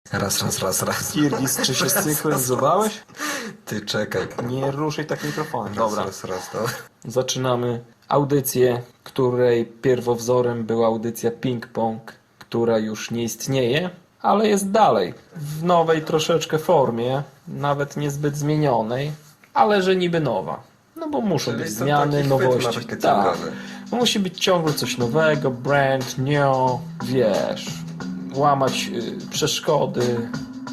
Raz. Kirgis, czy się synchronizowałeś? Ty czekaj. Nie ruszaj tak mikrofonem. Dobra. Dobra. To. Zaczynamy audycję, której pierwowzorem była audycja Ping Pong, która już nie istnieje, ale jest dalej. W nowej troszeczkę formie, nawet niezbyt zmienionej, ale że niby nowa. No bo muszą Czyli być to zmiany, taki chwyt nowości. marketingowy. Tak. Musi być ciągle coś nowego, brand new, wiesz, łamać przeszkody.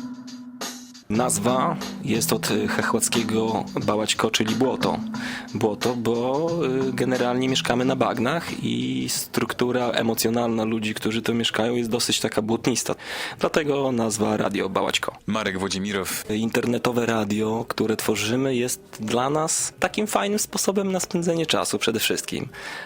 Nazwa jest od chechłackiego bałaćko, czyli błoto. Błoto, bo generalnie mieszkamy na bagnach i struktura emocjonalna ludzi, którzy tu mieszkają, jest dosyć taka błotnista. Dlatego nazwa Radio Bałaćko. Marek Włodzimirow. Internetowe radio, które tworzymy, jest dla nas takim fajnym sposobem na spędzenie czasu przede wszystkim.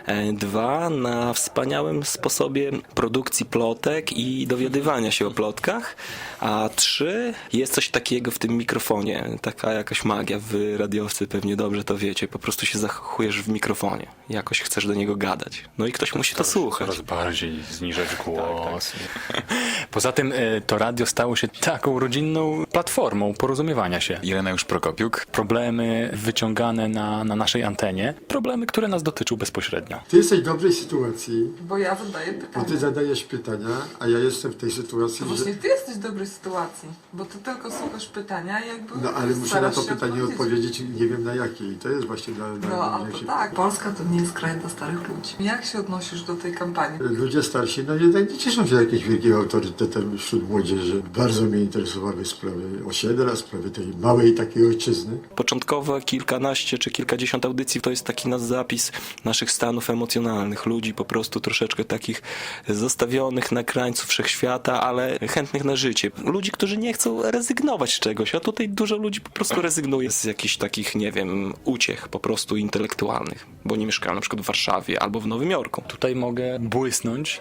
2, na wspaniałym sposobie produkcji plotek i dowiadywania się o plotkach. A 3, jest coś takiego w tym mikrofonie, taka jakaś magia. Wy radiowcy pewnie dobrze to wiecie. Po prostu się zakochujesz w mikrofonie. Jakoś chcesz do niego gadać. No i ktoś musi to słuchać. Coraz bardziej zniżać głos. Poza tym to radio stało się taką rodzinną platformą porozumiewania się. Ireneusz Prokopiuk. Problemy wyciągane na naszej antenie, problemy, które nas dotyczą bezpośrednio. Ty jesteś w dobrej sytuacji, Bo ja zadaję bo pytania. ty zadajesz pytania, a ja jestem w tej sytuacji, To że... właśnie ty jesteś w dobrej sytuacji, bo ty tylko słuchasz pytania i jakby No ale muszę na starasz to się pytanie odpowiedzieć, nie wiem na jakie. I to jest właśnie dla No, a jak to się... tak. Polska to nie jest kraj dla starych ludzi. Jak się odnosisz do tej kampanii? Ludzie starsi, no jednak nie cieszą się jakimś wielkim autorytetem wśród młodzieży. Bardzo mnie interesowały sprawy osiedla, sprawy tej małej takiej ojczyzny. Początkowe kilkanaście czy kilkadziesiąt audycji to jest taki nasz zapis naszych stanów emocjonalnych. Ludzi po prostu troszeczkę takich zostawionych na krańcu wszechświata, ale chętnych na życie. Ludzi, którzy nie chcą rezygnować z czegoś, a tutaj dużo ludzi po prostu rezygnuje z jakichś takich, nie wiem, uciech po prostu intelektualnych, bo nie mieszkają na przykład w Warszawie albo w Nowym Jorku. Tutaj mogę błysnąć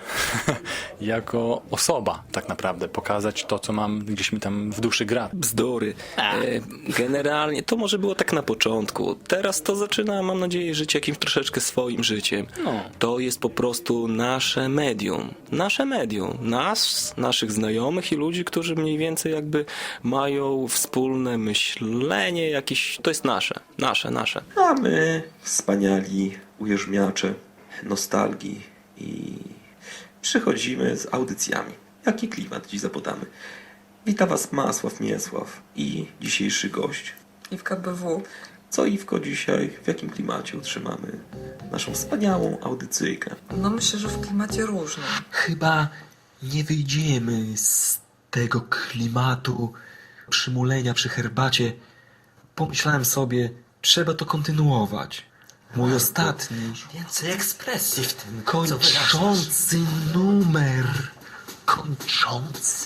jako osoba tak naprawdę, pokazać to, co mam gdzieś mi tam w duszy gra. Bzdury. Generalnie to może było tak na początku. Teraz to zaczyna, mam nadzieję, żyć jakimś troszeczkę swoim życiem. No. To jest po prostu nasze medium. Nasze medium. Nas, naszych znajomych i ludzi, którzy mniej więcej jakby mają wspólne myślenie jakieś. To jest nasze. Nasze. A my, wspaniali ujeżdżacze nostalgii i przychodzimy z audycjami. Jaki klimat dziś zapodamy? Wita Was Masław Miesław i dzisiejszy gość. I w KBW. Co Iwko dzisiaj, w jakim klimacie utrzymamy naszą wspaniałą audycyjkę? No myślę, że w klimacie różnym. Chyba nie wyjdziemy z tego klimatu przymulenia przy herbacie. Pomyślałem sobie, trzeba to kontynuować. Mój ostatni, Więcej ekspresji w tym. kończący numer. Kończący.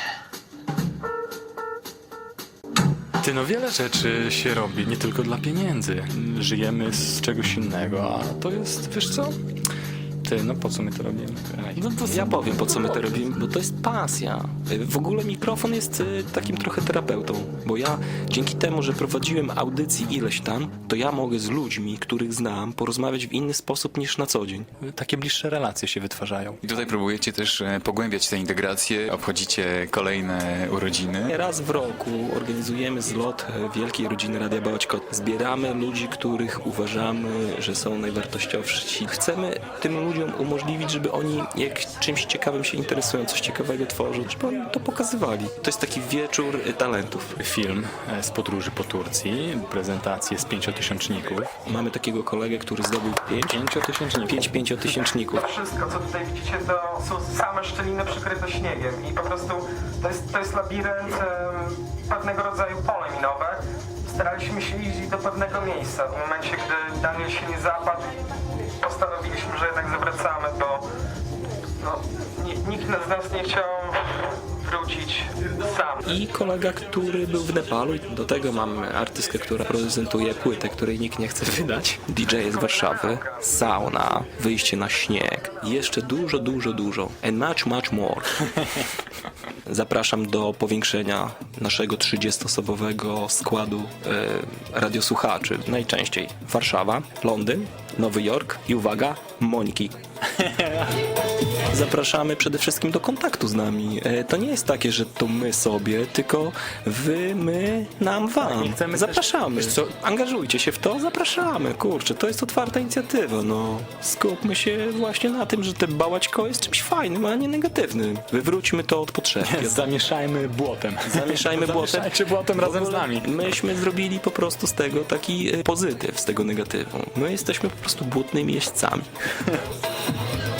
Ty, no wiele rzeczy się robi, nie tylko dla pieniędzy. Żyjemy z czegoś innego, a to jest, wiesz co? Ty, no po co my to robimy? No to Ja powiem, po co my to robimy, bo to jest pasja. W ogóle mikrofon jest takim trochę terapeutą, bo ja dzięki temu, że prowadziłem audycji ileś tam, to ja mogę z ludźmi, których znam, porozmawiać w inny sposób niż na co dzień. takie bliższe relacje się wytwarzają. I tutaj próbujecie też pogłębiać tę integrację, obchodzicie kolejne urodziny. Raz w roku organizujemy zlot Wielkiej Rodziny Radia Bałaćko. Zbieramy ludzi, których uważamy, że są najwartościowsi. Chcemy tym ludziom umożliwić, żeby oni jak czymś ciekawym się interesują, coś ciekawego tworzą, żeby oni to pokazywali. To jest taki wieczór talentów. Film z podróży po Turcji, prezentację z 5-tysięczników. Mamy takiego kolegę, który zdobył 5 pięciotysięczników. Wszystko, co tutaj widzicie, to są same szczeliny przykryte śniegiem i po prostu to jest labirynt, pewnego rodzaju pole minowe. Staraliśmy się iść do pewnego miejsca. W momencie, gdy Daniel się nie zapadł, postanowiliśmy, że jednak zawracamy, bo nikt z nas nie chciał wrócić sam. I kolega, który był w Nepalu. Do tego mamy artystkę, która prezentuje płytę, której nikt nie chce wydać. DJ z Warszawy, sauna, wyjście na śnieg. I jeszcze dużo. And much more. Zapraszam do powiększenia naszego 30-osobowego składu radiosłuchaczy. Najczęściej Warszawa, Londyn, Nowy Jork i uwaga, Moniki. Zapraszamy przede wszystkim do kontaktu z nami. To nie jest takie, że to my sobie, tylko wy, my, nam, wam. i chcemy też- Zapraszamy. wiesz co- Angażujcie się w to, zapraszamy. Kurczę, to jest otwarta inicjatywa, no. Skupmy się właśnie na tym, że te bałaćko jest czymś fajnym, a nie negatywnym. Wywróćmy to od podszewki. Zamieszajmy błotem. Zamieszajmy błotem. Zamieszajcie błotem razem z W ogóle nami. Myśmy zrobili po prostu z tego taki pozytyw, z tego negatywu. My jesteśmy po prostu błotnymi jeźdźcami.